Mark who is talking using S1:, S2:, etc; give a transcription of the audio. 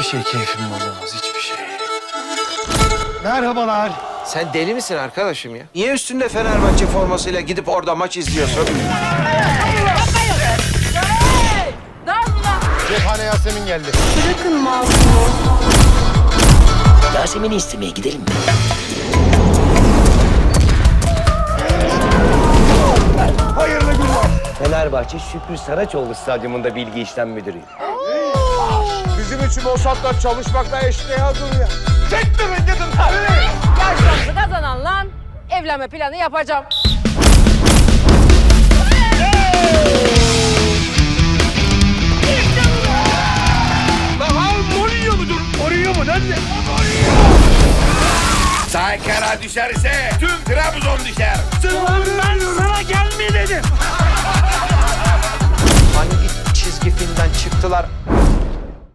S1: şey keyfimi bozamaz, hiçbir şey. Merhabalar.
S2: Sen deli misin arkadaşım ya? Niye üstünde Fenerbahçe formasıyla gidip orada maç izliyorsun?
S1: Cephane Yasemin geldi.
S3: Bırakın masumu.
S4: Yasemin'i istemeye gidelim mi?
S1: Hayırlı günler.
S4: Fenerbahçe Şükrü Saraçoğlu Stadyumunda bilgi işlem müdürüyüm.
S1: Bizim için Mossad'la çalışmakla eşdeğer duruyor. Çektirin gidin tabii.
S5: Yarışmamızı kazanan lan evlenme planı yapacağım.
S6: Saykara düşerse tüm Trabzon düşer.
S2: Hangi çizgi filmden çıktılar?